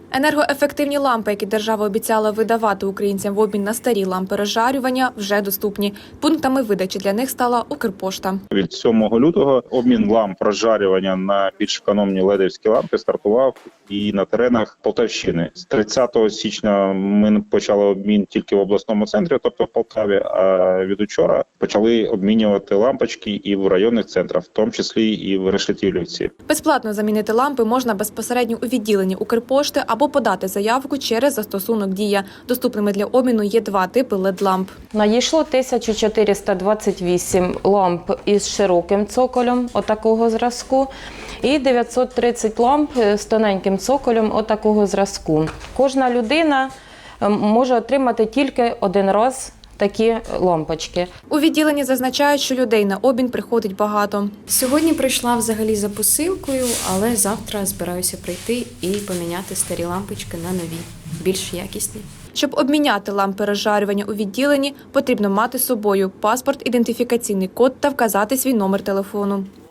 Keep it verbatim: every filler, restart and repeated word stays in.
Енергоефективні лампи, які держава обіцяла видавати українцям в обмін на старі лампи розжарювання, вже доступні. Пунктами видачі для них стала Укрпошта. Від сьомого лютого обмін ламп розжарювання на більш економні ледівські лампи стартував і на теренах Полтавщини. З тридцятого січня ми почали обмін тільки в обласному центрі, тобто в Полтаві, а від учора почали обмінювати лампочки і в районних центрах, в тому числі і в Решетилівці. Безплатно замінити лампи можна безпосередньо у відділенні Укрпошти або подати заявку через застосунок «Дія». Доступними для обміну є два типи лед-ламп. Надійшло тисяча чотириста двадцять вісім ламп із широким цоколем отакого зразку і дев'ятсот тридцять ламп з тоненьким цоколем отакого зразку. Кожна людина може отримати тільки один раз такі лампочки. У відділенні зазначають, що людей на обмін приходить багато. Сьогодні прийшла взагалі за посилкою, але завтра збираюся прийти і поміняти старі лампочки на нові, більш якісні. Щоб обміняти лампи розжарювання у відділенні, потрібно мати з собою паспорт, ідентифікаційний код та вказати свій номер телефону.